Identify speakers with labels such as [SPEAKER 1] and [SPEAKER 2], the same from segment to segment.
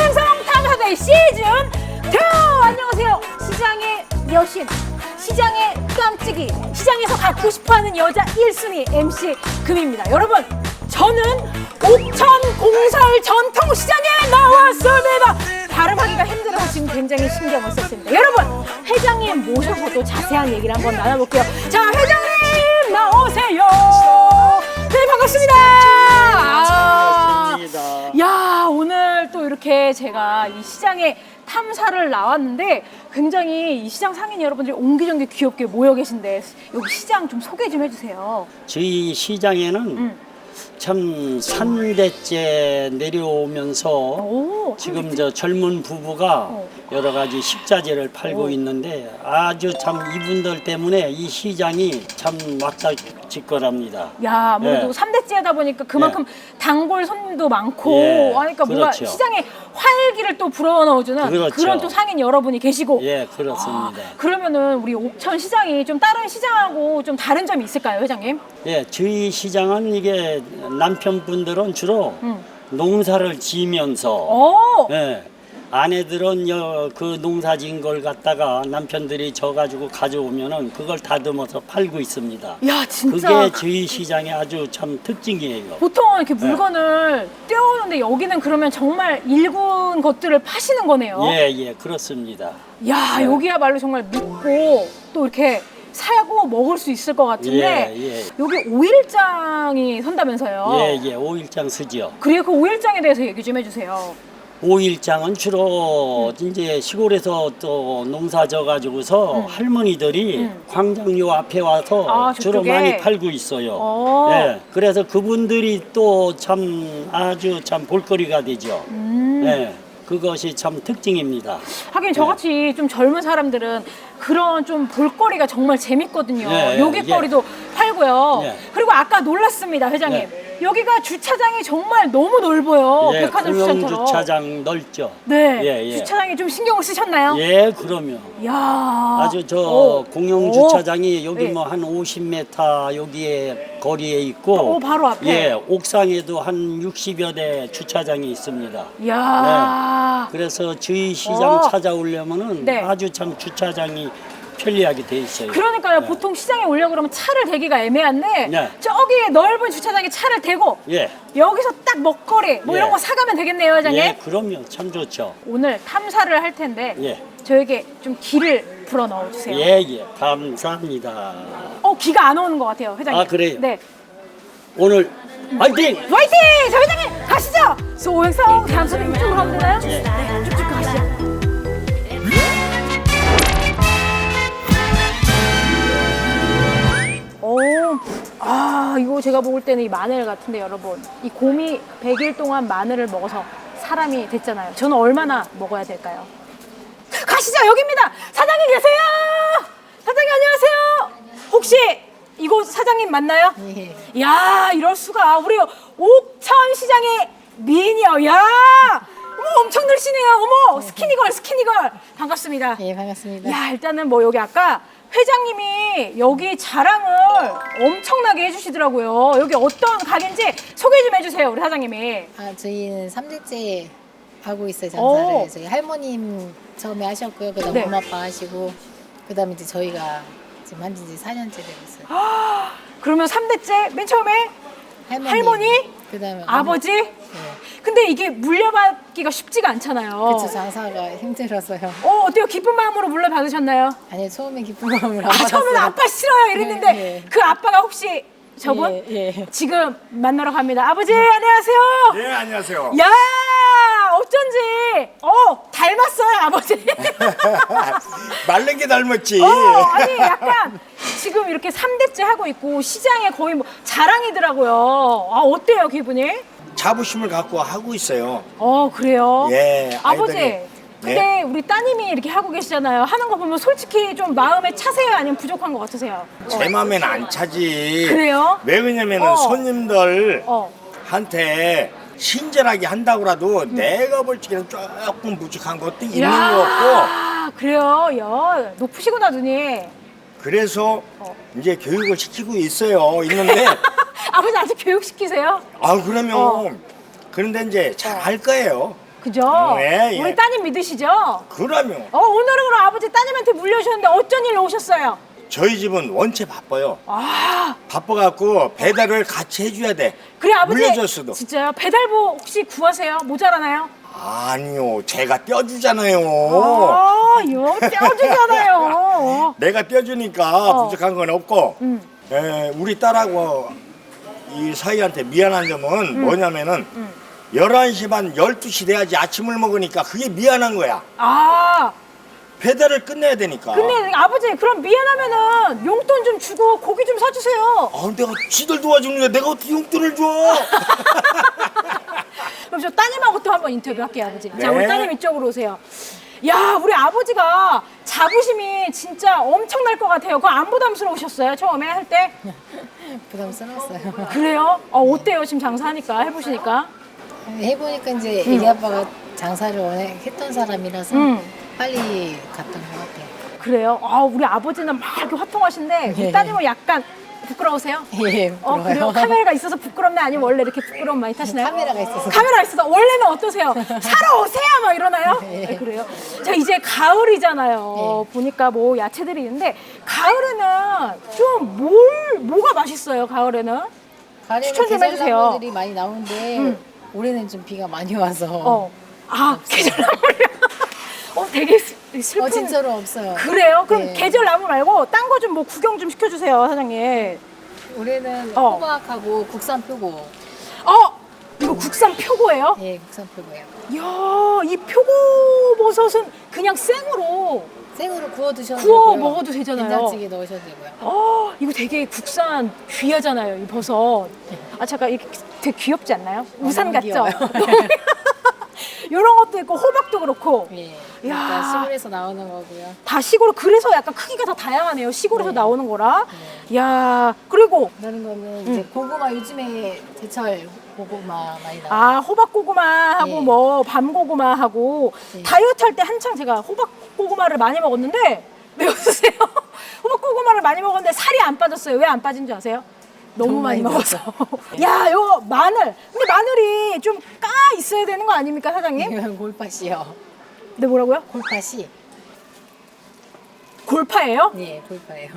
[SPEAKER 1] 소행성 탐사대 시즌 2! 안녕하세요. 시장의 여신, 시장의 깜찍이, 시장에서 갖고 싶어하는 여자 1순위 MC 금입니다. 여러분, 저는 옥천 공설 전통시장에 나왔습니다. 발음하기가 힘들어서 지금 굉장히 신경을 썼습니다. 여러분, 회장님 모셔서 또 자세한 얘기를 한번 나눠볼게요. 자, 회장님 나오세요. 네, 반갑습니다. 야, 오늘 또 이렇게 제가 이 시장에 탐사를 나왔는데 굉장히 이 시장 상인 여러분들이 옹기종기 귀엽게 모여 계신데 여기 시장 좀 소개 좀 해주세요.
[SPEAKER 2] 저희 시장에는 참 산대째 내려오면서 지금 저 젊은 부부가 여러 가지 식자재를 팔고 있는데 아주 참 이분들 때문에 이 시장이 참 막다질거랍니다.
[SPEAKER 1] 야, 아무래도
[SPEAKER 2] 예.
[SPEAKER 1] 3대째다 보니까 그만큼 단골 손님도 많고
[SPEAKER 2] 예,
[SPEAKER 1] 그러니까 뭔가
[SPEAKER 2] 그렇죠.
[SPEAKER 1] 시장에 활기를 또 불어넣어주는
[SPEAKER 2] 그렇죠.
[SPEAKER 1] 그런 또 상인 여러분이 계시고.
[SPEAKER 2] 예, 그렇습니다.
[SPEAKER 1] 그러면은 우리 옥천 시장이 좀 다른 시장하고 좀 다른 점이 있을까요, 회장님?
[SPEAKER 2] 예, 저희 시장은 이게 남편분들은 주로 농사를 지면서 예, 아내들은 그 농사진 걸 갖다가 남편들이 져가지고 가져오면은 그걸 다듬어서 팔고 있습니다.
[SPEAKER 1] 야, 진짜.
[SPEAKER 2] 그게 저희 시장의 아주 참 특징이에요.
[SPEAKER 1] 보통 이렇게 물건을 떼어오는데 여기는 그러면 정말 일군 것들을 파시는 거네요.
[SPEAKER 2] 예, 예, 그렇습니다.
[SPEAKER 1] 야,
[SPEAKER 2] 네.
[SPEAKER 1] 여기야말로 정말 믿고 또 이렇게 사고 먹을 수 있을 것 같은데
[SPEAKER 2] 예, 예.
[SPEAKER 1] 여기 오일장이 선다면서요?
[SPEAKER 2] 예, 예, 오일장 쓰죠.
[SPEAKER 1] 그리고 그 오일장에 대해서 얘기 좀 해주세요.
[SPEAKER 2] 오일장은 주로 이제 시골에서 또 농사 져가지고서 할머니들이 광장요 앞에 와서
[SPEAKER 1] 아,
[SPEAKER 2] 주로
[SPEAKER 1] 저쪽에?
[SPEAKER 2] 많이 팔고 있어요. 예, 그래서 그분들이 또 참 아주 참 볼거리가 되죠. 예, 그것이 참 특징입니다.
[SPEAKER 1] 하긴 저같이 좀 젊은 사람들은 그런 좀 볼거리가 정말 재밌거든요.
[SPEAKER 2] 예,
[SPEAKER 1] 요깃거리도 팔고요.
[SPEAKER 2] 예.
[SPEAKER 1] 그리고 아까 놀랐습니다, 회장님.
[SPEAKER 2] 예.
[SPEAKER 1] 여기가 주차장이 정말 너무 넓어요.
[SPEAKER 2] 예,
[SPEAKER 1] 백화점
[SPEAKER 2] 공영
[SPEAKER 1] 주차처럼.
[SPEAKER 2] 주차장 넓죠.
[SPEAKER 1] 네,
[SPEAKER 2] 예, 예.
[SPEAKER 1] 주차장에 좀 신경을 쓰셨나요?
[SPEAKER 2] 예, 그럼요.
[SPEAKER 1] 야,
[SPEAKER 2] 아주 저
[SPEAKER 1] 오.
[SPEAKER 2] 공영
[SPEAKER 1] 오.
[SPEAKER 2] 주차장이 여기
[SPEAKER 1] 네.
[SPEAKER 2] 뭐 한 50m 여기에 거리에 있고,
[SPEAKER 1] 바로 앞에.
[SPEAKER 2] 예, 옥상에도 한 60여 대 주차장이 있습니다.
[SPEAKER 1] 야,
[SPEAKER 2] 그래서 저희 시장
[SPEAKER 1] 어.
[SPEAKER 2] 찾아오려면은
[SPEAKER 1] 네.
[SPEAKER 2] 아주 참 주차장이 편리하게 돼 있어요.
[SPEAKER 1] 그러니까요.
[SPEAKER 2] 네.
[SPEAKER 1] 보통 시장에 오려고 그러면 차를 대기가 애매한데
[SPEAKER 2] 네.
[SPEAKER 1] 저기 넓은 주차장에 차를 대고
[SPEAKER 2] 예,
[SPEAKER 1] 여기서 딱 먹거리 뭐
[SPEAKER 2] 예.
[SPEAKER 1] 이런 거 사가면 되겠네요, 회장님.
[SPEAKER 2] 예, 그럼요, 참 좋죠.
[SPEAKER 1] 오늘 탐사를 할 텐데
[SPEAKER 2] 예.
[SPEAKER 1] 저에게 좀 기를 불어 넣어 주세요.
[SPEAKER 2] 예, 예, 감사합니다.
[SPEAKER 1] 기가 안 오는 것 같아요, 회장님.
[SPEAKER 2] 아, 그래요?
[SPEAKER 1] 네.
[SPEAKER 2] 오늘 화이팅!
[SPEAKER 1] 화이팅! 자, 회장님 가시죠. 소행성 단순히 이쪽으로 가면 되나요?
[SPEAKER 2] 예.
[SPEAKER 1] 네, 쭉쭉 가시죠. 이거 제가 먹을 때는 이 마늘 같은데 여러분, 이 곰이 100일 동안 마늘을 먹어서 사람이 됐잖아요. 저는 얼마나 먹어야 될까요? 가시죠. 여기입니다. 사장님 계세요. 사장님 안녕하세요. 혹시 이곳 사장님 맞나요?
[SPEAKER 3] 예.
[SPEAKER 1] 야, 이럴 수가. 우리 옥천 시장의 미녀. 야, 어머, 엄청 늘씬해요. 어머, 스키니걸 반갑습니다.
[SPEAKER 3] 예, 반갑습니다.
[SPEAKER 1] 야, 일단은 뭐 여기 아까 회장님이 여기 자랑을 엄청나게 해주시더라고요. 여기 어떤 가게인지 소개 좀 해주세요, 우리 사장님이.
[SPEAKER 3] 저희는 3대째 하고 있어요,
[SPEAKER 1] 오.
[SPEAKER 3] 장사를. 저희 할머님 처음에 하셨고요. 그다음
[SPEAKER 1] 네.
[SPEAKER 3] 엄마 아빠 하시고 그다음에 이제 저희가 지금 한 지 4년째 되고 있어요.
[SPEAKER 1] 그러면 3대째 맨 처음에 할머니?
[SPEAKER 3] 그다음에
[SPEAKER 1] 아버지?
[SPEAKER 3] 네.
[SPEAKER 1] 근데 이게 물려받기가 쉽지가 않잖아요.
[SPEAKER 3] 그렇죠. 장사가 힘들어서요.
[SPEAKER 1] 어때요? 기쁜 마음으로 물려받으셨나요?
[SPEAKER 3] 아니, 처음에 기쁜 마음을 안
[SPEAKER 1] 처음에는
[SPEAKER 3] 받았어요.
[SPEAKER 1] 아빠 싫어요 이랬는데
[SPEAKER 3] 네, 네.
[SPEAKER 1] 그 아빠가 혹시 저분?
[SPEAKER 3] 예.
[SPEAKER 1] 지금 만나러 갑니다. 아버지 안녕하세요.
[SPEAKER 4] 네, 안녕하세요.
[SPEAKER 1] 야, 어쩐지 닮았어요 아버지.
[SPEAKER 4] 말른 게 닮았지.
[SPEAKER 1] 아니 약간 지금 이렇게 3대째 하고 있고 시장에 거의 뭐 자랑이더라고요. 어때요 기분이?
[SPEAKER 4] 자부심을 갖고 하고 있어요.
[SPEAKER 1] 그래요?
[SPEAKER 4] 예,
[SPEAKER 1] 아버지,
[SPEAKER 4] 아이들이.
[SPEAKER 1] 근데
[SPEAKER 4] 네.
[SPEAKER 1] 우리 따님이 이렇게 하고 계시잖아요. 하는 거 보면 솔직히 좀 마음에 차세요? 아니면 부족한 것 같으세요?
[SPEAKER 4] 제 맘엔 안 차지.
[SPEAKER 1] 그래요?
[SPEAKER 4] 왜 그러냐면은
[SPEAKER 1] 어.
[SPEAKER 4] 손님들
[SPEAKER 1] 어.
[SPEAKER 4] 한테 친절하게 한다고라도 내가 볼 적에는 조금 부족한 것도 있는 것 같고,
[SPEAKER 1] 야, 그래요? 야, 높으시구나 눈이.
[SPEAKER 4] 그래서 이제 교육을 시키고 있어요. 있는데
[SPEAKER 1] 아버지 아직 교육시키세요?
[SPEAKER 4] 그러면 그런데 이제 잘 할 거예요.
[SPEAKER 1] 그죠?
[SPEAKER 4] 네, 예.
[SPEAKER 1] 우리 따님 믿으시죠?
[SPEAKER 4] 그러면
[SPEAKER 1] 오늘은 그럼 아버지 따님한테 물려주셨는데 어쩐 일로 오셨어요?
[SPEAKER 4] 저희 집은 원체 바빠요.
[SPEAKER 1] 아,
[SPEAKER 4] 바빠갖고 배달을 같이 해줘야 돼.
[SPEAKER 1] 그래 아버지.
[SPEAKER 4] 물려줬어도.
[SPEAKER 1] 진짜요? 배달부 혹시 구하세요? 모자라나요?
[SPEAKER 4] 아니요, 제가 떼어주잖아요.
[SPEAKER 1] 요 떼어주잖아요.
[SPEAKER 4] 내가 떼어주니까 부족한 건 없고,
[SPEAKER 1] 음.
[SPEAKER 4] 우리 딸하고 이 사이한테 미안한 점은 뭐냐면은 11시 반 12시 돼야지 아침을 먹으니까 그게 미안한 거야.
[SPEAKER 1] 아,
[SPEAKER 4] 배달을 끝내야 되니까.
[SPEAKER 1] 근데 아버지 그럼 미안하면은 용돈 좀 주고 고기 좀 사주세요.
[SPEAKER 4] 내가 지들 도와주는 게 내가 어떻게 용돈을 줘?
[SPEAKER 1] 그럼 저 따님하고 또 한번 인터뷰할게요, 아버지. 자,
[SPEAKER 4] 네.
[SPEAKER 1] 우리 따님 이쪽으로 오세요. 야, 우리 아버지가 자부심이 진짜 엄청날 것 같아요. 그거 안 부담스러우셨어요, 처음에 할 때?
[SPEAKER 3] 부담스러웠어요.
[SPEAKER 1] 그래요? 어때요, 지금 장사하니까, 해보시니까?
[SPEAKER 3] 해보니까 이제 애기 아빠가 장사를 워낙 했던 사람이라서 빨리 갔던 것 같아요.
[SPEAKER 1] 그래요? 우리 아버지는 막 이렇게 화통하신데, 우리
[SPEAKER 3] 예.
[SPEAKER 1] 따님은 약간 부끄러우세요?
[SPEAKER 3] 예,
[SPEAKER 1] 그래요?
[SPEAKER 3] 부러워요.
[SPEAKER 1] 카메라가 있어서 부끄럽나? 아니면 원래 이렇게 부끄러움 많이 타시나요?
[SPEAKER 3] 카메라가 있어서.
[SPEAKER 1] 카메라가 있어서. 원래는 어떠세요? 사러 오세요! 막 이러나요?
[SPEAKER 3] 예.
[SPEAKER 1] 네, 그래요? 자, 이제 가을이잖아요. 보니까 뭐 야채들이 있는데, 가을에는 좀 뭐가 맛있어요, 가을에는?
[SPEAKER 3] 가을에는
[SPEAKER 1] 추천 좀 해주세요.
[SPEAKER 3] 계절나물들이 많이 나오는데 올해는 좀 비가 많이 와서
[SPEAKER 1] 계절나물이요? 되게 슬픈.
[SPEAKER 3] 진짜로 없어요.
[SPEAKER 1] 그래요? 그럼
[SPEAKER 3] 네.
[SPEAKER 1] 계절나물 말고 딴 거 좀 뭐 구경 좀 시켜주세요, 사장님.
[SPEAKER 3] 올해는
[SPEAKER 1] 어.
[SPEAKER 3] 호박하고 국산 표고.
[SPEAKER 1] 이거 국산 표고예요?
[SPEAKER 3] 예, 국산 표고예요.
[SPEAKER 1] 이야, 이 표고버섯은 그냥 생으로
[SPEAKER 3] 생으로 구워 드셔도
[SPEAKER 1] 구워
[SPEAKER 3] 되고요.
[SPEAKER 1] 먹어도 되잖아요.
[SPEAKER 3] 된장찌개 넣으셔도 되고요.
[SPEAKER 1] 이거 되게 국산 귀하잖아요, 이 버섯. 잠깐, 이게 되게 귀엽지 않나요? 우산
[SPEAKER 3] 너무
[SPEAKER 1] 같죠?
[SPEAKER 3] 귀여워요.
[SPEAKER 1] 이런 것도 있고, 호박도 그렇고.
[SPEAKER 3] 예.
[SPEAKER 1] 야.
[SPEAKER 3] 그러니까 시골에서 나오는 거고요.
[SPEAKER 1] 다 시골, 그래서 약간 크기가 다 다양하네요. 시골에서 나오는 거라. 야, 그리고,
[SPEAKER 3] 그러는 거는 이제 고구마 요즘에 제철 고구마 많이 나와요.
[SPEAKER 1] 호박고구마하고
[SPEAKER 3] 예.
[SPEAKER 1] 뭐, 밤고구마하고,
[SPEAKER 3] 예.
[SPEAKER 1] 다이어트 할 때 한창 제가 호박고구마를 많이 먹었는데, 왜 웃으세요? 호박고구마를 많이 먹었는데 살이 안 빠졌어요. 왜 안 빠진 줄 아세요? 너무
[SPEAKER 3] 너무
[SPEAKER 1] 많이
[SPEAKER 3] 많이
[SPEAKER 1] 먹어서. 야, 요 마늘. 근데 마늘이 좀 까 있어야 되는 거 아닙니까, 사장님?
[SPEAKER 3] 이건 골팥이요.
[SPEAKER 1] 네, 뭐라고요?
[SPEAKER 3] 골팥이.
[SPEAKER 1] 골파예요?
[SPEAKER 3] 예, 골파예요.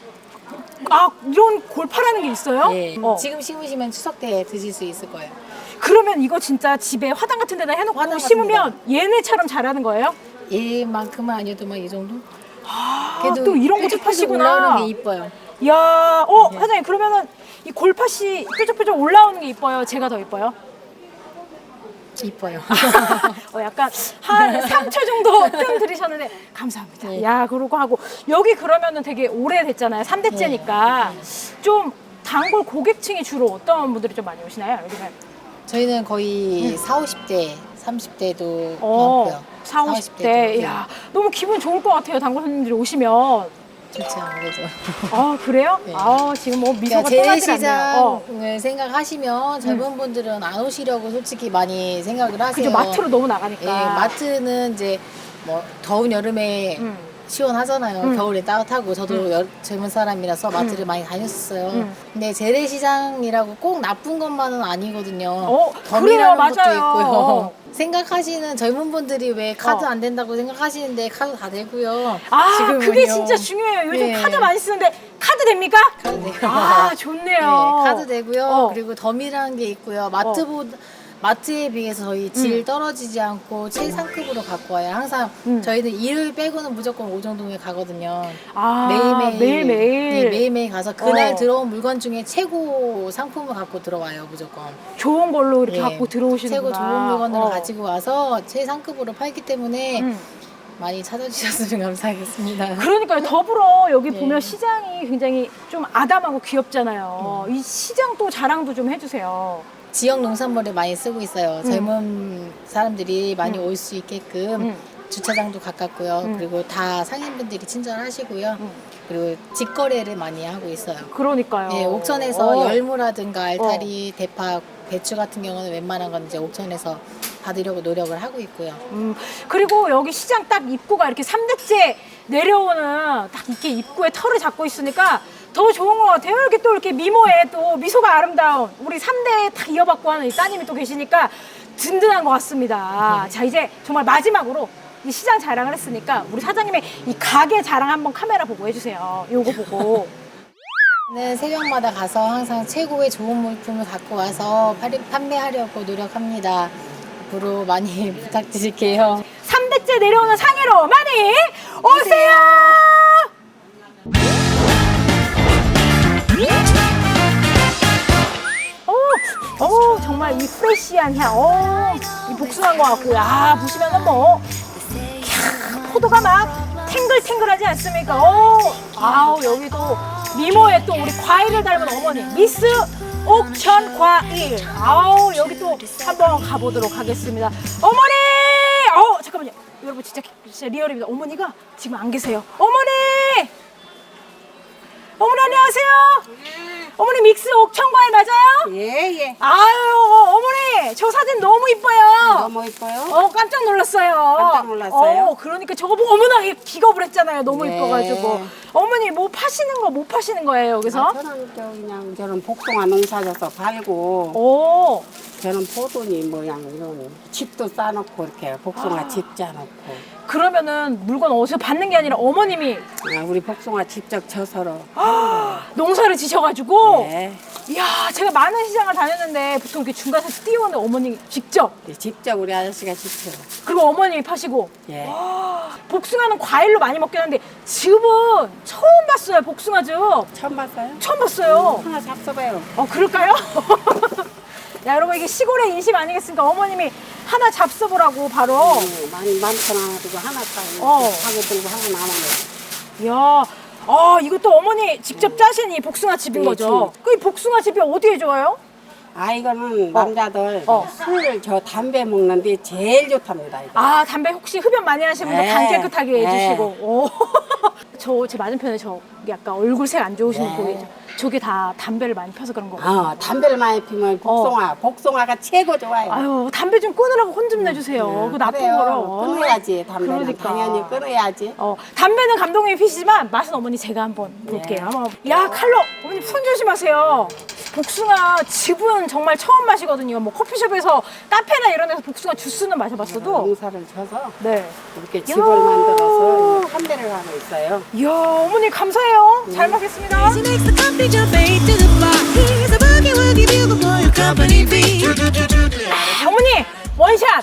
[SPEAKER 1] 이런 골파라는 게 있어요?
[SPEAKER 3] 예.
[SPEAKER 1] 어.
[SPEAKER 3] 지금 심으시면 추석 때 드실 수 있을 거예요.
[SPEAKER 1] 그러면 이거 진짜 집에 화단 같은 데다 해놓고
[SPEAKER 3] 화단
[SPEAKER 1] 심으면 얘네처럼 자라는 거예요?
[SPEAKER 3] 얘만큼은 아니어도 막 이 정도?
[SPEAKER 1] 또 이런 것도
[SPEAKER 3] 뾰족뾰족
[SPEAKER 1] 파시구나.
[SPEAKER 3] 올라오는 게 이뻐요.
[SPEAKER 1] 야, 사장님 그러면은 이 골팥이 뾰족뾰족 올라오는 게 이뻐요? 제가 더 이뻐요?
[SPEAKER 3] 이뻐요.
[SPEAKER 1] 약간 한 3초 정도 뜸 들이셨는데 감사합니다.
[SPEAKER 3] 네.
[SPEAKER 1] 야, 그러고 하고 여기 그러면은 되게 오래됐잖아요. 3대째니까 좀 단골 고객층이 주로 어떤 분들이 좀 많이 오시나요? 여기는
[SPEAKER 3] 저희는 거의 40, 50대, 30대도
[SPEAKER 1] 어,
[SPEAKER 3] 많고요.
[SPEAKER 1] 40, 50대. 야, 너무 기분 좋을 것 같아요. 단골 손님들이 오시면.
[SPEAKER 3] 좋지 아무래도.
[SPEAKER 1] 그래요?
[SPEAKER 3] 네.
[SPEAKER 1] 지금 뭐 미소가
[SPEAKER 3] 그러니까
[SPEAKER 1] 떠나질 않네요.
[SPEAKER 3] 재래시장을 생각하시면 젊은 분들은 안 오시려고 솔직히 많이 생각을 하세요.
[SPEAKER 1] 그죠, 마트로 너무 나가니까.
[SPEAKER 3] 예, 마트는 이제 뭐 더운 여름에 시원하잖아요. 겨울에 따뜻하고 저도 젊은 사람이라서 마트를 많이 다녔었어요. 근데 재래시장이라고 꼭 나쁜 것만은 아니거든요.
[SPEAKER 1] 그래요,
[SPEAKER 3] 덤이라는 것도
[SPEAKER 1] 맞아요.
[SPEAKER 3] 있고요. 생각하시는 젊은 분들이 왜 카드 안 된다고 생각하시는데 카드 다 되고요. 지금은요.
[SPEAKER 1] 그게 진짜 중요해요. 요즘
[SPEAKER 3] 네.
[SPEAKER 1] 카드 많이 쓰는데 카드 됩니까?
[SPEAKER 3] 카드 되고.
[SPEAKER 1] 좋네요.
[SPEAKER 3] 네, 카드 되고요.
[SPEAKER 1] 어.
[SPEAKER 3] 그리고 덤이라는 게 있고요. 마트에 비해서 저희 질 떨어지지 않고 최상급으로 갖고 와요. 항상 저희는 일요일 빼고는 무조건 오정동에 가거든요. 매일매일. 네, 매일매일 가서 그날 들어온 물건 중에 최고 상품을 갖고 들어와요, 무조건.
[SPEAKER 1] 좋은 걸로 이렇게
[SPEAKER 3] 네,
[SPEAKER 1] 갖고 들어오시는구나.
[SPEAKER 3] 최고 좋은 물건을 가지고 와서 최상급으로 팔기 때문에 많이 찾아주셨으면 감사하겠습니다.
[SPEAKER 1] 그러니까요. 더불어 여기
[SPEAKER 3] 네.
[SPEAKER 1] 보면 시장이 굉장히 좀 아담하고 귀엽잖아요. 이 시장 또 자랑도 좀 해주세요.
[SPEAKER 3] 지역 농산물을 많이 쓰고 있어요. 젊은 사람들이 많이 올 수 있게끔 주차장도 가깝고요. 그리고 다 상인분들이 친절하시고요. 그리고 직거래를 많이 하고 있어요.
[SPEAKER 1] 그러니까요.
[SPEAKER 3] 네, 옥천에서 열무라든가 알타리, 대파, 배추 같은 경우는 웬만한 건 이제 옥천에서 받으려고 노력을 하고 있고요.
[SPEAKER 1] 그리고 여기 시장 딱 입구가 이렇게 3대째 내려오는 딱 이렇게 입구에 털을 잡고 있으니까 더 좋은 것 같아요. 이렇게 또 이렇게 미모에 또 미소가 아름다운 우리 3대 딱 이어받고 하는 이 따님이 또 계시니까 든든한 것 같습니다. 자, 이제 정말 마지막으로 이 시장 자랑을 했으니까 우리 사장님의 이 가게 자랑 한번 카메라 보고 해주세요. 요거 보고.
[SPEAKER 3] 네, 새벽마다 가서 항상 최고의 좋은 물품을 갖고 와서 판매하려고 노력합니다. 앞으로 많이 부탁드릴게요.
[SPEAKER 1] 3대째 내려오는 상해로 많이 오세요! 오, 정말 이 프레시한 향, 이 복숭아인 것 같고요. 아, 보시면은 뭐, 포도가 막 탱글탱글하지 않습니까? 아우, 여기도 미모에 또 우리 과일을 닮은 어머니, 미스 옥천 과일. 아우, 여기 또 한번 가보도록 하겠습니다. 어머니! 잠깐만요. 여러분, 진짜 리얼입니다. 어머니가 지금 안 계세요. 어머니! 어머니, 안녕하세요. 어머니, 믹스 옥천과일 맞아요?
[SPEAKER 5] 예.
[SPEAKER 1] 아유, 어머니, 저 사진 너무 이뻐요.
[SPEAKER 5] 너무 이뻐요?
[SPEAKER 1] 깜짝 놀랐어요.
[SPEAKER 5] 깜짝 놀랐어요?
[SPEAKER 1] 그러니까 저거 보고 어머나 기겁을 했잖아요. 너무
[SPEAKER 5] 네.
[SPEAKER 1] 이뻐가지고. 어머니, 뭐 파시는 거, 못 파시는 거예요, 여기서?
[SPEAKER 5] 저는 그냥 저는 복숭아 농사져서 팔고
[SPEAKER 1] 오,
[SPEAKER 5] 저는 포도니 모양 이런 집도 싸놓고 이렇게 복숭아 집 짜놓고
[SPEAKER 1] 그러면은 물건 어디서 받는 게 아니라 어머님이
[SPEAKER 5] 우리 복숭아 직접 져서로
[SPEAKER 1] 농사를 지셔가지고.
[SPEAKER 5] 네.
[SPEAKER 1] 이야, 제가 많은 시장을 다녔는데 보통 이렇게 중간에서 뛰어오는 어머니 직접.
[SPEAKER 5] 직접 우리 아저씨가 직접
[SPEAKER 1] 그리고 어머님이 파시고.
[SPEAKER 5] 예.
[SPEAKER 1] 복숭아는 과일로 많이 먹긴 하는데 즙은 처음 봤어요. 복숭아즙
[SPEAKER 5] 처음 봤어요?
[SPEAKER 1] 처음 봤어요.
[SPEAKER 5] 하나 잡숴봐요.
[SPEAKER 1] 그럴까요? 야, 여러분, 이게 시골의 인심 아니겠습니까? 어머님이 하나 잡숴보라고 바로.
[SPEAKER 5] 많이 많거나 가지고 하나 따고 하고 들고 하고 나가네.
[SPEAKER 1] 이야, 이것도 어머니 직접 짜신 이 복숭아즙인
[SPEAKER 5] 네,
[SPEAKER 1] 거죠? 그 이 복숭아즙이 어디에 좋아요?
[SPEAKER 5] 이거는 남자들 술 저 담배 먹는데 제일 좋답니다. 이거.
[SPEAKER 1] 담배 혹시 흡연 많이 하시는 분들
[SPEAKER 5] 네.
[SPEAKER 1] 간 깨끗하게
[SPEAKER 5] 네.
[SPEAKER 1] 해주시고. 제 맞은편에 저기 약간 얼굴색 안 좋으신 분 보이죠? 저게 다 담배를 많이 펴서 그런 거거든요.
[SPEAKER 5] 담배를 많이 피면 복숭아가 최고 좋아요.
[SPEAKER 1] 아유, 담배 좀 끊으라고 혼 좀 내주세요. 그 나쁜
[SPEAKER 5] 그래요.
[SPEAKER 1] 거로.
[SPEAKER 5] 끊어야지 담배는
[SPEAKER 1] 그러니까.
[SPEAKER 5] 당연히 끊어야지.
[SPEAKER 1] 담배는 감독님이 피시지만 맛은 어머니 제가 한번 볼게요. 야, 칼로 어머니 손 조심하세요. 복숭아 즙은 정말 처음 마시거든요. 뭐 커피숍에서 카페나 이런 데서 복숭아 주스는 마셔봤어도.
[SPEAKER 5] 농사를 져서
[SPEAKER 1] 네.
[SPEAKER 5] 이렇게 즙을 만들어서 판매를 하고 있어요.
[SPEAKER 1] 이야, 어머니 감사해요. 잘 먹겠습니다.
[SPEAKER 6] She makes the company jump eight to the floor. He's a boogie woogie bugle for your company fee.
[SPEAKER 1] 어머니 원샷.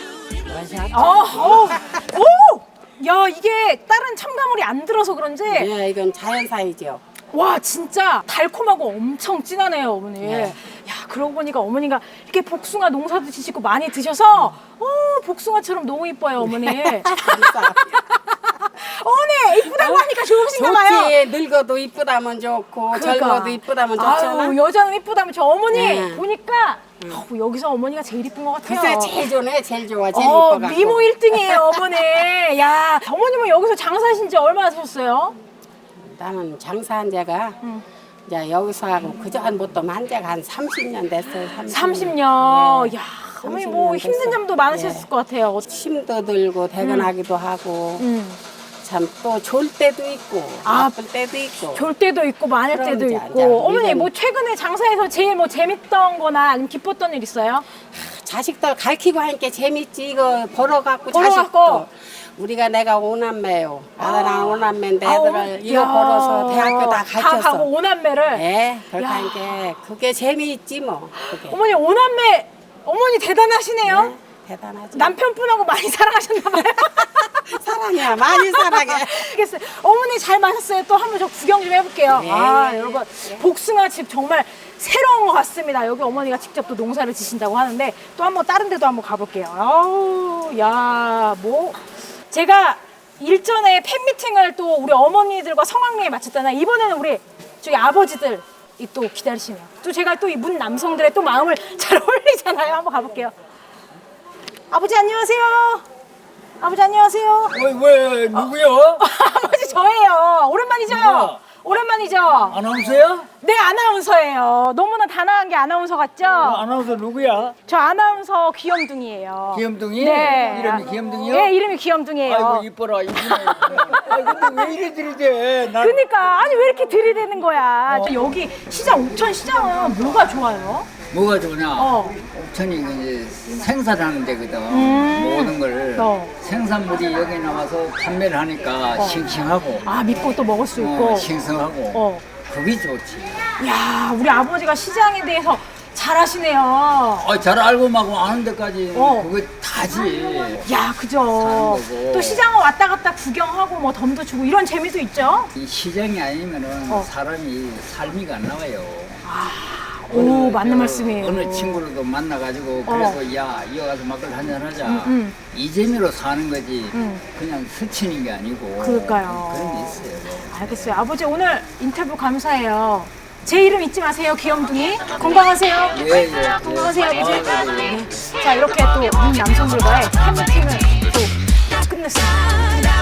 [SPEAKER 5] 원샷.
[SPEAKER 1] 오! 야, 이게 다른 첨가물이 안 들어서 그런지
[SPEAKER 5] 예, 이건 자연사이죠.
[SPEAKER 1] 와, 진짜 달콤하고 엄청 진하네요, 어머니.
[SPEAKER 5] 네.
[SPEAKER 1] 야, 그러고 보니까 어머니가 이렇게 복숭아 농사도 지시고 많이 드셔서 복숭아처럼 너무 이뻐요, 어머니.
[SPEAKER 5] 감사.
[SPEAKER 1] 어머니 이쁘다고 하니까 좋으신가 봐요.
[SPEAKER 5] 좋지. 늙어도 이쁘다면 좋고 젊어도 이쁘다면 좋잖아.
[SPEAKER 1] 아유, 여자는 이쁘다면 저 어머니
[SPEAKER 5] 네.
[SPEAKER 1] 보니까 여기서 어머니가 제일 이쁜 것 같아요.
[SPEAKER 5] 글쎄 제일 좋네. 제일 좋아. 제일 이뻐갖고.
[SPEAKER 1] 미모 1등이에요, 어머니. 야, 어머님은 여기서 장사하신 지 얼마나 되셨어요?
[SPEAKER 5] 나는 장사한 지가 이제 여기서 하고 그전부터 한 지가 한 30년 됐어요.
[SPEAKER 1] 30년.
[SPEAKER 5] 예.
[SPEAKER 1] 야, 어머니 뭐
[SPEAKER 5] 30년
[SPEAKER 1] 힘든
[SPEAKER 5] 됐어.
[SPEAKER 1] 점도 많으셨을
[SPEAKER 5] 예.
[SPEAKER 1] 것 같아요.
[SPEAKER 5] 힘도 들고 퇴근하기도 하고 참 또 좋을 때도 있고 나쁠 때도 있고
[SPEAKER 1] 좋을 때도 있고 많을
[SPEAKER 5] 그럼
[SPEAKER 1] 때도
[SPEAKER 5] 이제
[SPEAKER 1] 있고.
[SPEAKER 5] 이제
[SPEAKER 1] 어머니
[SPEAKER 5] 우리는-
[SPEAKER 1] 뭐 최근에 장사에서 제일 뭐 재밌던 거나 아니면 기뻤던 일 있어요?
[SPEAKER 5] 자식들 가르치고 하니까 재밌지. 이거 벌어갖고
[SPEAKER 1] 벌어갖고.
[SPEAKER 5] 자식도 우리가 내가 오남매요. 아들랑 오남매인데 애들을 이거
[SPEAKER 1] 야.
[SPEAKER 5] 벌어서 대학교 다
[SPEAKER 1] 다
[SPEAKER 5] 가르쳤어.
[SPEAKER 1] 가고 오남매를.
[SPEAKER 5] 예, 그렇게
[SPEAKER 1] 야.
[SPEAKER 5] 하니까 그게 재미있지 뭐. 그게.
[SPEAKER 1] 어머니 오남매 어머니 대단하시네요.
[SPEAKER 5] 네, 대단하지.
[SPEAKER 1] 남편분하고 많이 사랑하셨나 봐요.
[SPEAKER 5] 사랑이야, 많이 사랑해.
[SPEAKER 1] 알겠어요. 어머니 잘 마셨어요. 또 한번 저 구경 좀 해볼게요.
[SPEAKER 5] 네.
[SPEAKER 1] 여러분 복숭아 집 정말 새로운 것 같습니다. 여기 어머니가 직접 또 농사를 지신다고 하는데 또 한번 다른 데도 한번 가볼게요. 아우, 야, 뭐 제가 일전에 팬미팅을 또 우리 어머니들과 성황리에 마쳤잖아요. 이번에는 우리 저기 아버지들 이 또 기다리시네요. 또 제가 또 이 문 남성들의 또 마음을 잘 어울리잖아요. 한번 가볼게요. 아버지 안녕하세요. 아버지 안녕하세요.
[SPEAKER 7] 왜 누구요?
[SPEAKER 1] 아버지 저예요. 오랜만이죠?
[SPEAKER 7] 누구야?
[SPEAKER 1] 오랜만이죠?
[SPEAKER 7] 아나운서야?
[SPEAKER 1] 네, 아나운서예요. 너무나 단아한 게 아나운서 같죠?
[SPEAKER 7] 아나운서 누구야?
[SPEAKER 1] 저 아나운서 귀염둥이에요.
[SPEAKER 7] 귀염둥이?
[SPEAKER 1] 네.
[SPEAKER 7] 이름이 귀염둥이요?
[SPEAKER 1] 네, 이름이 귀염둥이에요.
[SPEAKER 7] 아이고 이뻐라 이쁘네. 아이 근데 왜 이래 들이대? 난
[SPEAKER 1] 그러니까 아니 왜 이렇게 들이대는 거야? 저 여기 시장 옥천 시장은 뭐가 좋아요?
[SPEAKER 7] 뭐가 좋냐?
[SPEAKER 1] 어.
[SPEAKER 7] 옥천이 이제 생산하는 데거든. 모든 걸
[SPEAKER 1] 어.
[SPEAKER 7] 생산물이 여기 나와서 판매를 하니까 싱싱하고
[SPEAKER 1] 아, 믿고 또 먹을 수 있고.
[SPEAKER 7] 싱싱하고
[SPEAKER 1] 어.
[SPEAKER 7] 그게 좋지.
[SPEAKER 1] 야, 우리 아버지가 시장에 대해서 잘 아시네요.
[SPEAKER 7] 잘 알고 막 아는 데까지
[SPEAKER 1] 어.
[SPEAKER 7] 그거 다지.
[SPEAKER 1] 야, 그죠.
[SPEAKER 7] 거고.
[SPEAKER 1] 또 시장을 왔다 갔다 구경하고 뭐 덤도 주고 이런 재미도 있죠.
[SPEAKER 7] 이 시장이 아니면은
[SPEAKER 1] 어.
[SPEAKER 7] 사람이 삶이가 안 나와요.
[SPEAKER 1] 오, 맞는 말씀이에요.
[SPEAKER 7] 어느 친구로도 만나가지고 그래도 야 이거 가서 막걸 한잔 하자. 이 재미로 사는 거지. 그냥 스치는 게 아니고.
[SPEAKER 1] 그러니까요.
[SPEAKER 7] 그런 게 있어요.
[SPEAKER 1] 알겠어요. 아버지 오늘 인터뷰 감사해요. 제 이름 잊지 마세요, 귀염둥이. 건강하세요.
[SPEAKER 7] 예.
[SPEAKER 1] 건강하세요, 아버지.
[SPEAKER 7] 아, 네.
[SPEAKER 1] 네. 자, 이렇게 또 우리 남성들과의 팬미팅을 또 끝냈습니다.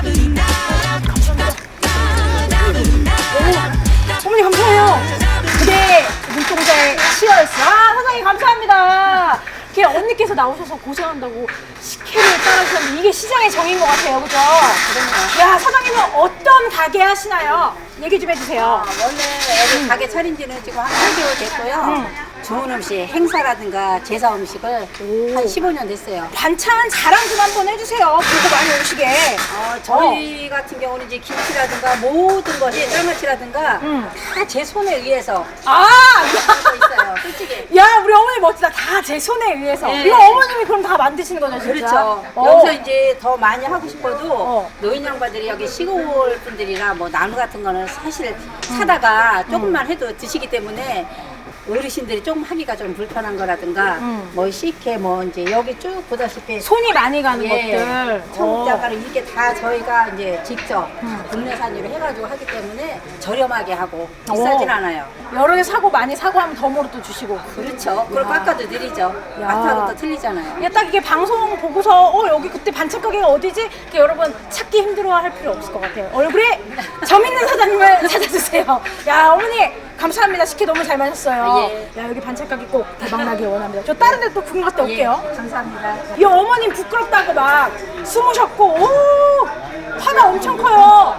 [SPEAKER 1] 어머니 감사해요. 그대 눈동자의 치어였어. 아, 사장님 감사합니다. 이렇게 언니께서 나오셔서 고생한다고 식혜를 따라주셨는데 이게 시장의 정인 것 같아요, 그죠? 야, 사장님은 어떤 가게 하시나요? 얘기 좀 해주세요.
[SPEAKER 8] 원래 여기 가게 차린 지는 지금 한 8개월 됐고요. 좋은 음식, 행사라든가 제사 음식을 한 15년 됐어요.
[SPEAKER 1] 반찬 자랑 좀 한번 해주세요. 보고 많이 오시게.
[SPEAKER 8] 저희 같은 경우는 이제 김치라든가 모든 것이 짤맞치라든가 다 제 손에 의해서
[SPEAKER 1] 아,
[SPEAKER 8] 하고 있어요. 솔직히.
[SPEAKER 1] 야, 우리 어머니 멋지다. 다 제 손에 의해서.
[SPEAKER 8] 네.
[SPEAKER 1] 이거 어머님이 그럼 다 만드시는 거죠, 진짜?
[SPEAKER 8] 그렇죠.
[SPEAKER 1] 어.
[SPEAKER 8] 여기서 이제 더 많이 하고 싶어도
[SPEAKER 1] 어.
[SPEAKER 8] 노인 양반들이 여기 시골 분들이나 뭐 나무 같은 거는 사실 사다가 조금만 해도 드시기 때문에 어르신들이 조금 하기가 좀 불편한 거라든가 뭐 식혜 뭐 이제 여기 쭉 보다시피
[SPEAKER 1] 손이 많이 가는
[SPEAKER 8] 예,
[SPEAKER 1] 것들.
[SPEAKER 8] 청국장가루 이게 다 저희가 이제 직접 국내산으로 해가지고 하기 때문에 저렴하게 하고 비싸진 않아요.
[SPEAKER 1] 여러 개 사고 많이 사고 하면 덤으로 또 주시고.
[SPEAKER 8] 그렇죠. 그걸 깎아도 드리죠.
[SPEAKER 1] 야.
[SPEAKER 8] 마트하고 또 틀리잖아요.
[SPEAKER 1] 이게 딱 이게 방송 보고서 여기 그때 반찬 가게가 어디지? 이렇게 여러분 찾기 힘들어할 필요 없을 것 같아요. 얼굴에 점 있는 사장님을 찾아주세요. 야, 어머니 감사합니다. 식혜 너무 잘 마셨어요.
[SPEAKER 8] 예.
[SPEAKER 1] 야, 여기 반찬 가게 꼭 대박 나길 원합니다. 저 다른 데 또 구경 갔다 올게요.
[SPEAKER 8] 감사합니다.
[SPEAKER 1] 이 어머님 부끄럽다고 막 숨으셨고, 오, 파가 엄청 커요.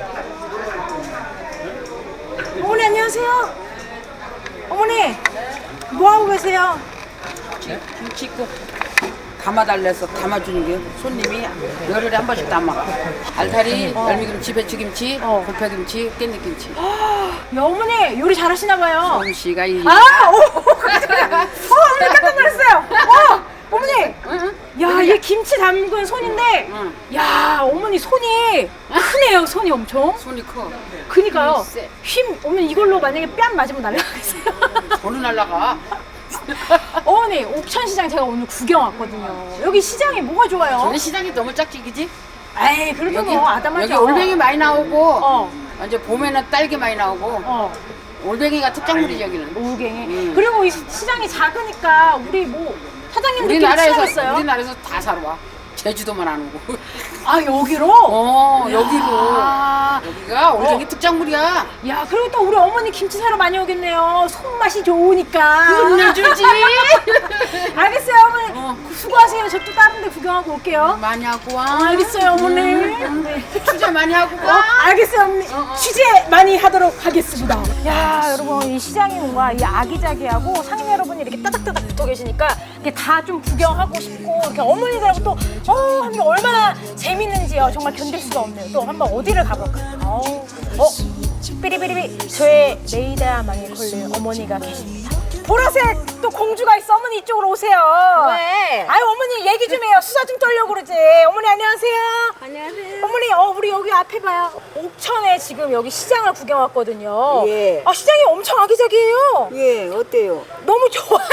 [SPEAKER 1] 어머니 안녕하세요. 어머니 뭐 하고 계세요?
[SPEAKER 9] 김치국 담아달래서 담아주는 게 손님이 열흘에 한 번씩 담아. 알타리, 열무김치, 배추김치, 곰파김치, 깻잎김치.
[SPEAKER 1] 야, 어머니 요리 잘하시나 봐요.
[SPEAKER 9] 솜씨가 이
[SPEAKER 1] 아, 어머니 깜짝 놀랐어요. 어머니, 야, 이게 김치 담근 손인데, 야, 어머니 손이 크네요. 손이 엄청.
[SPEAKER 9] 손이 커.
[SPEAKER 1] 그니까요.
[SPEAKER 9] 세.
[SPEAKER 1] 어머니 이걸로 만약에 뺨 맞으면 날라가겠어요.
[SPEAKER 9] 돈은 날라가.
[SPEAKER 1] 어머니, 옥천시장 제가 오늘 구경 왔거든요. 여기 시장이 뭐가 좋아요?
[SPEAKER 9] 저희 시장이 너무 짝지, 그지?
[SPEAKER 1] 에이, 그래도 뭐 아담하죠.
[SPEAKER 9] 여기 올뱅이 많이 나오고,
[SPEAKER 1] 어.
[SPEAKER 9] 이제 봄에는 딸기 많이 나오고, 올뱅이가 특작물이지, 여기는.
[SPEAKER 1] 오갱이. 그리고 이 시장이 작으니까 우리 뭐 사장님들끼리
[SPEAKER 9] 우리나라에서,
[SPEAKER 1] 친하겠어요?
[SPEAKER 9] 우리나라에서 다 사러 와. 제주도만 안 오고.
[SPEAKER 1] 아, 여기로?
[SPEAKER 9] 여기로.
[SPEAKER 1] 아,
[SPEAKER 9] 여기가 올뱅이 특작물이야.
[SPEAKER 1] 야, 그리고 또 우리 어머니 김치 사러 많이 오겠네요. 손맛이 좋으니까.
[SPEAKER 9] 혼내주지.
[SPEAKER 1] 알겠어요, 어머니. 수고하세요. 저 또 다른 데 구경하고 올게요.
[SPEAKER 9] 많이 하고 와.
[SPEAKER 1] 알겠어요, 어머니. 네.
[SPEAKER 9] 투자 많이 하고 가.
[SPEAKER 1] 알겠어요, 어머니. 취재 많이 하도록 하겠습니다. 야, 여러분, 이 시장이 뭔가 이 아기자기하고 상인 여러분이 이렇게 따닥따닥 붙어 계시니까 이게 다 좀 구경하고 싶고 이렇게 어머니들하고 또 하는 게 얼마나 재밌는지요. 정말 견딜 수가 없네요. 또 한번 어디를 가볼까요? 삐리삐리삐. 저의 레이더망에 걸린 어머니가 계십니다. 보라색 또 공주가 있어. 어머니 이쪽으로 오세요.
[SPEAKER 8] 왜?
[SPEAKER 1] 아유, 어머니 얘기 좀 해요. 수다 좀 떨려고 그러지. 어머니 안녕하세요.
[SPEAKER 8] 안녕하세요.
[SPEAKER 1] 어머니, 우리 여기 앞에 봐요. 옥천에 지금 여기 시장을 구경 왔거든요.
[SPEAKER 8] 예.
[SPEAKER 1] 아, 시장이 엄청 아기자기해요.
[SPEAKER 8] 예, 어때요?
[SPEAKER 1] 너무 좋아요.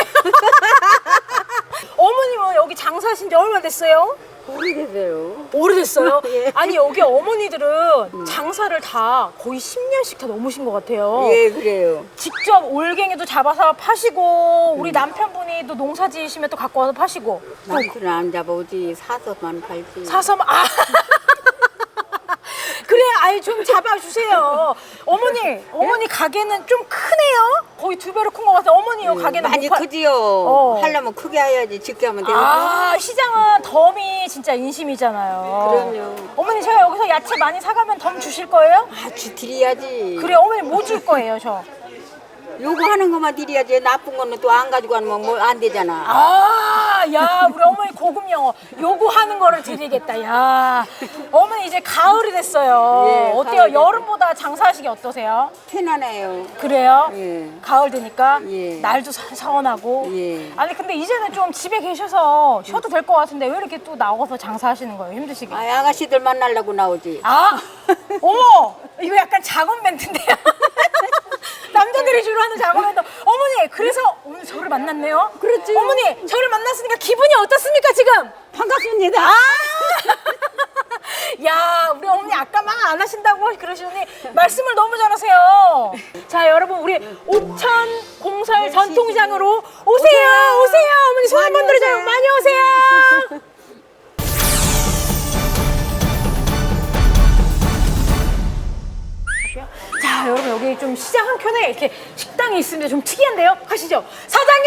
[SPEAKER 1] 어머님은 여기 장사하신 지 얼마나 됐어요?
[SPEAKER 8] 오래됐어요.
[SPEAKER 1] 오래됐어요?
[SPEAKER 8] 예.
[SPEAKER 1] 아니, 여기 어머니들은 장사를 다 거의 10년씩 다 넘으신 것 같아요.
[SPEAKER 8] 예, 그래요.
[SPEAKER 1] 직접 올갱이도 잡아서 파시고, 우리 남편분이 또 농사 지으시면 또 갖고 와서 파시고. 또
[SPEAKER 8] 남편은 안 잡아오지 사서만 팔지.
[SPEAKER 1] 사서, 그래, 아이 좀 잡아주세요. 어머니 가게는 좀 크네요? 거의 2배로 큰 것 같아요. 어머니 요 가게는
[SPEAKER 8] 많이
[SPEAKER 1] 못
[SPEAKER 8] 크지요. 하려면 크게 해야지 적게 하면 되니까.
[SPEAKER 1] 아, 시장은 덤이 진짜 인심이잖아요.
[SPEAKER 8] 그럼요.
[SPEAKER 1] 어머니, 제가 여기서 야채 많이 사가면 덤 주실 거예요?
[SPEAKER 8] 드려야지.
[SPEAKER 1] 그래, 어머니 뭐 줄 거예요, 저?
[SPEAKER 8] 요거 하는 것만 드려야지 나쁜 거는 또 안 가지고 가면 뭐 안 되잖아.
[SPEAKER 1] 아, 야, 우리 어머니 고급 영어 요구하는 거를 드리겠다. 야, 어머니 이제 가을이 됐어요.
[SPEAKER 8] 예,
[SPEAKER 1] 어때요?
[SPEAKER 8] 가을이
[SPEAKER 1] 여름보다 장사하시기 어떠세요?
[SPEAKER 8] 편안해요.
[SPEAKER 1] 그래요?
[SPEAKER 8] 예.
[SPEAKER 1] 가을 되니까
[SPEAKER 8] 예.
[SPEAKER 1] 날도 선선하고.
[SPEAKER 8] 예.
[SPEAKER 1] 아니 근데 이제는 좀 집에 계셔서 쉬어도 될 것 같은데 왜 이렇게 또 나가서 장사하시는 거예요? 힘드시게?
[SPEAKER 8] 아, 아가씨들 만나려고 나오지.
[SPEAKER 1] 아, 어머, 이거 약간 작업 멘트인데요. 남자들이 주로 하는 작업 멘트. 어머니, 그래서 오늘 저를 만났네요.
[SPEAKER 8] 그렇지.
[SPEAKER 1] 어머니, 저를 만났으니까 기분이 어떻습니까 지금?
[SPEAKER 8] 반갑습니다.
[SPEAKER 1] 아! 야, 우리 어머니 아까 막 안 하신다고 그러시더니 말씀을 너무 잘하세요. 자, 여러분 우리 옥천 공설 전통시장으로 오세요. 오세요. 어머니 손 한번 들어줘요. 많이 오세요. 자, 여러분 여기 좀 시장 한켠에 이렇게 식당이 있습니다. 좀 특이한데요. 가시죠. 사장님!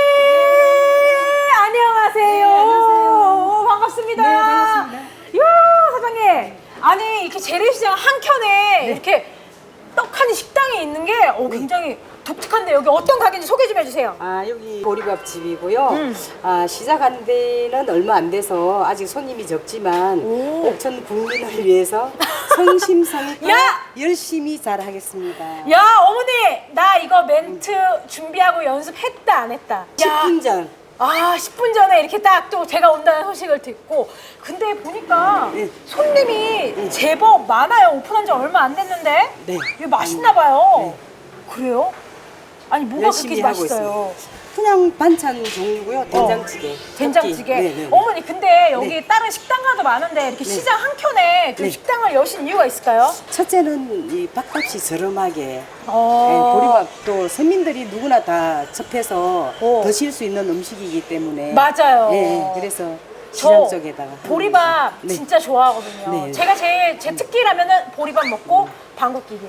[SPEAKER 1] 안녕하세요. 안녕하세요. 반갑습니다. 네, 반갑습니다. 이야, 사장님. 아니, 이렇게 재래시장 한켠에 이렇게 떡하니 식당이 있는 게 굉장히 독특한데 여기 어떤 가게인지 소개 좀 해주세요.
[SPEAKER 10] 아, 여기 보리밥집이고요. 아, 시작한 데는 얼마 안 돼서 아직 손님이 적지만 옥천 국민을 위해서 성심성의껏
[SPEAKER 1] 야!
[SPEAKER 10] 열심히 잘하겠습니다.
[SPEAKER 1] 야, 어머니, 나 이거 멘트 준비하고 연습했다 안 했다?
[SPEAKER 10] 10분 전.
[SPEAKER 1] 아, 10분 전에 이렇게 딱 또 제가 온다는 소식을 듣고 근데 보니까 손님이 제법 많아요. 오픈한 지 얼마 안 됐는데
[SPEAKER 10] 네.
[SPEAKER 1] 이거 맛있나 봐요. 그래요? 아니 뭐가
[SPEAKER 10] 열심히
[SPEAKER 1] 그렇게
[SPEAKER 10] 하고
[SPEAKER 1] 맛있어요?
[SPEAKER 10] 그냥 반찬 종류고요. 된장찌개.
[SPEAKER 1] 된장찌개.
[SPEAKER 10] 네, 네.
[SPEAKER 1] 어머니 근데 여기 다른 식당가도 많은데 이렇게 시장 한켠에 그 식당을 여신 이유가 있을까요?
[SPEAKER 10] 첫째는 이 밥값이 저렴하게
[SPEAKER 1] 어.
[SPEAKER 10] 보리밥도 서민들이 누구나 다 접해서 드실 수 있는 음식이기 때문에
[SPEAKER 1] 맞아요.
[SPEAKER 10] 예, 그래서
[SPEAKER 1] 저
[SPEAKER 10] 시장 쪽에다가
[SPEAKER 1] 보리밥
[SPEAKER 10] 네.
[SPEAKER 1] 진짜 좋아하거든요.
[SPEAKER 10] 네.
[SPEAKER 1] 제가 제일 제 특기라면은 보리밥 먹고 방귀 끼기.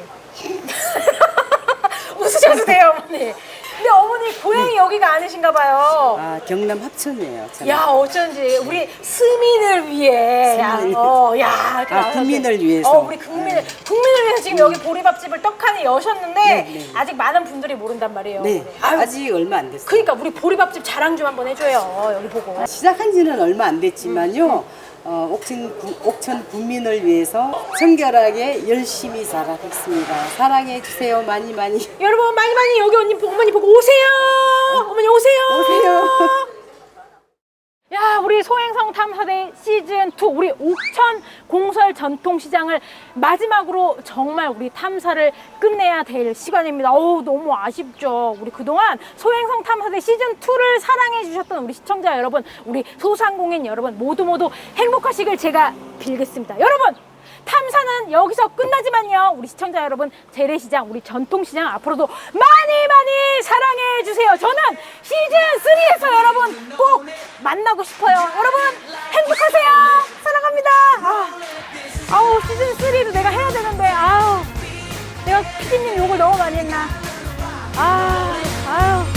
[SPEAKER 1] 웃으셔도 돼요, 어머니. 근데 어머니 고향이 여기가 아니신가 봐요.
[SPEAKER 10] 아, 경남 합천이에요. 저는.
[SPEAKER 1] 야, 어쩐지 우리 스민을 위해
[SPEAKER 10] 스민을
[SPEAKER 1] 야,
[SPEAKER 10] 아, 국민을 위해서.
[SPEAKER 1] 우리 국민을 위해서 지금 여기 보리밥집을 떡하니 여셨는데
[SPEAKER 10] 네.
[SPEAKER 1] 아직 많은 분들이 모른단 말이에요.
[SPEAKER 10] 네,
[SPEAKER 1] 아유,
[SPEAKER 10] 아직 얼마 안 됐어요.
[SPEAKER 1] 그러니까 우리 보리밥집 자랑 좀 한번 해줘요. 여기 보고.
[SPEAKER 10] 시작한 지는 얼마 안 됐지만요. 옥천 국민을 위해서 청결하게 열심히 잘하겠습니다. 사랑해 주세요. 많이 많이.
[SPEAKER 1] 여러분 많이 여기 어머니 보고 오세요. 어머니 오세요.
[SPEAKER 10] 오세요.
[SPEAKER 1] 야, 우리 소행성 탐사대 시즌2 우리 옥천 공설 전통시장을 마지막으로 정말 우리 탐사를 끝내야 될 시간입니다. 어우, 너무 아쉽죠. 우리 그동안 소행성 탐사대 시즌2를 사랑해 주셨던 우리 시청자 여러분, 우리 소상공인 여러분 모두 행복하시길 제가 빌겠습니다. 여러분, 탐사는 여기서 끝나지만요. 우리 시청자 여러분, 재래시장, 우리 전통시장 앞으로도 많이 사랑해 주세요. 저는 시즌3에서 여러분 꼭 만나고 싶어요. 여러분 행복하세요. 사랑합니다. 아우, 시즌3도 내가 해야 되는데 내가 피디님 욕을 너무 많이 했나. 아유.